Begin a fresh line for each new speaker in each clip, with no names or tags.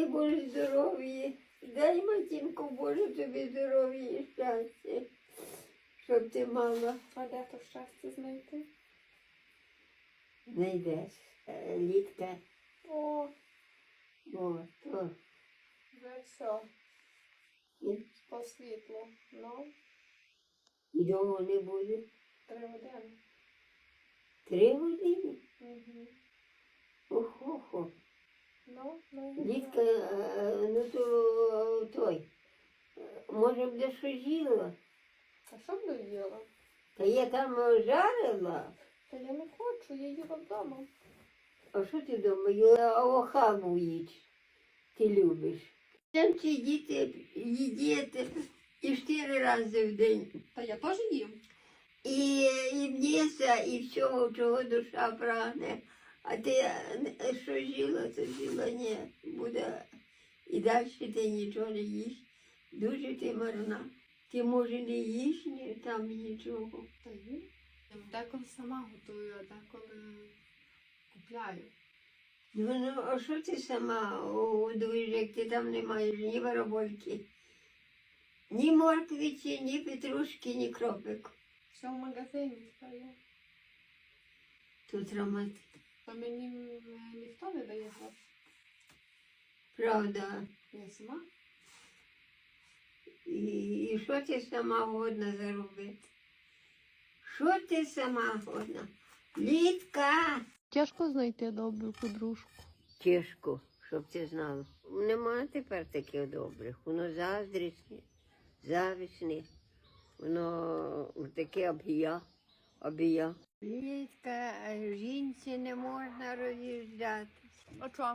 Боже здоров'я. Дай, матінко Боже, тобі здоров'я і щастя, щоб ти мала.
А де то щастя знайти?
Знайдеш, Літка.
О,
О, то.
вже все.
І,
По світлу. Ну,
і довго не буде.
3 години.
3 години?
Угу.
Охо-хо.
Ну,
Літка, ну то той. Може б де що їла?
А що б доїла?
Та я там жарила.
Та я не хочу, я їла вдома.
А що ти думаєш? Охаву їч. Ти любиш. Там ці діти їдять і 4 рази в день.
Та я теж їм.
І м'яса, і всього, чого душа прагне. А ти що жила, то жила, ні. Буде. І далі ти нічого не їш. Дуже ти марна. Ти, може, не їш ні, там нічого.
Та їм. Я деколи сама готую, а деколи купляю.
Ну, а що ти сама годуєш, як ти там не маєш ні барабольки, ні морквиці, ні петрушки, ні кропик.
Все в магазині стає.
Тут ромат.
Та мені ніхто не дає гроші.
Правда.
Я сама.
І що ти сама годна заробити? Що ти сама годна? Літка!
Тяжко знайти добру подружку.
Тяжко, щоб ти знала. Нема тепер таких добрих. Воно заздрісне, завісне. Воно таке обія. Літка, жінці не можна роз'їжджатися.
А що?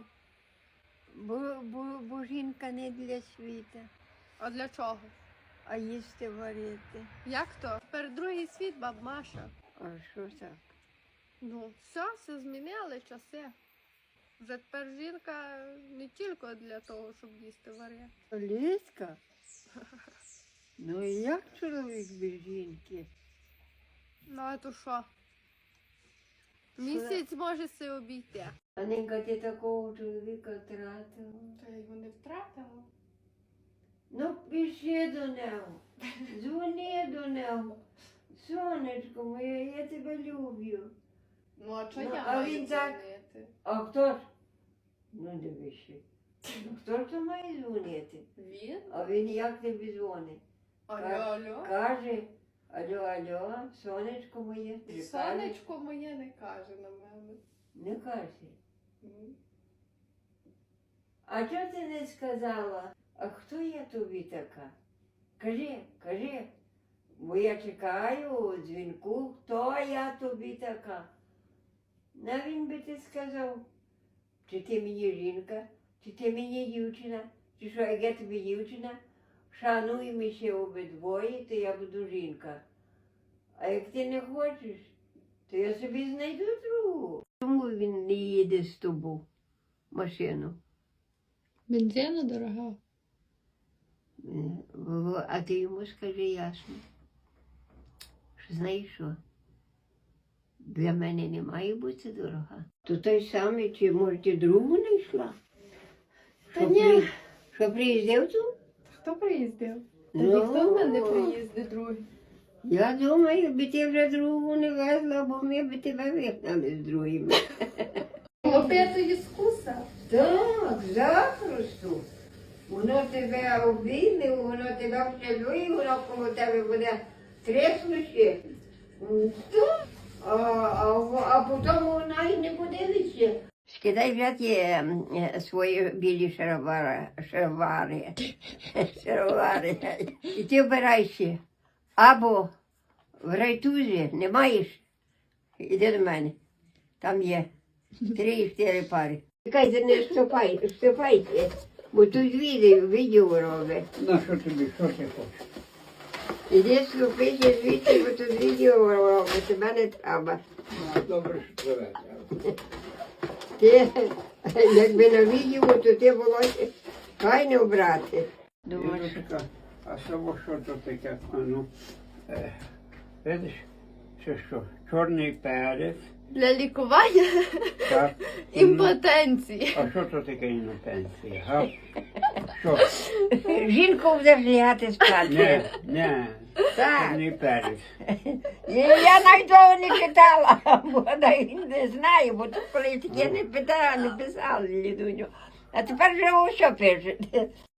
Бо жінка не для світу,
А для чого?
а їсти варити.
Як то? Тепер другий світ, баб Маша.
А що так?
Ну, все змінили часи. Вже тепер жінка не тільки для того, щоб їсти варити.
Літка? Ну і як чоловік без жінки?
Ну, а то що? Місяць може се обійти.
А ненька ти такого чоловіка втратила.
Та я його не втратила.
Ну, пиши до нього, дзвони до нього. Сонечко моє, я тебе люблю.
Ну, а чого
Ну,
я
а
маю
він так-
дзвонити?
А хто ж? Ну, дивишся. Хто ж то має дзвонити?
Він?
А він як тобі дзвонить?
Алло.
Каже, алло, сонечко моє. Ти кажеш?
Сонечко моє не каже на мене.
Не каже.
М.
А чого ти не сказала? А хто я тобі така? Кажи, бо я чекаю дзвінку, хто я тобі така? На він би ти сказав, чи ти мені жінка, чи ти мені дівчина, чи що, як я тобі дівчина, шануй ще обидвоє, то я буду жінка. А як ти не хочеш, то я собі знайду другу. Чому він не їде з тобою машину?
Бензина дорога.
А ти йому скажи ясно, що знаєш що? Для мене не має бути дорога. То той самий, чи може ти другу не йшла?
Та ні.
Що приїздив тут?
Хто приїздив? Та
Ну.
ніхто в мене не приїздить другий.
Я думаю, би ти вже другу не везла, бо ми б тебе вигнали з другими.
Опять скуса.
Так, запросто. Воно тебе обійме, воно тебе вшелює, воно коло тебе буде треснуще. А потім вона й не подивиться. Скидай взяти свої білі шаровари. І ти вбирайся. Або в райтузі не маєш, іди до мене. Там є 3-4 пари. Чекайте, не вступайте, бо тут відео робить.
Ну, що тобі, що ти хочеш?
Іди слухайся звідси, бо тут відео робить, тебе не треба.
Ну, добре, що тебе.
Ти, якби на відео, то ти було файно брати. Думаєш,
Ірочка, а само що то таке? А ну, видиш, це що? Чорний перець,
Для лікування
Так.
імпотенції.
А що то таке імпотенція? Га? Що?
Жінку будеш лягати спати.
Не,
Так.
це не перець.
Я навіть того не читала, бо навіть не знаю, бо то коли таке не питала, не писала Лідуню. А тепер вже що пишете.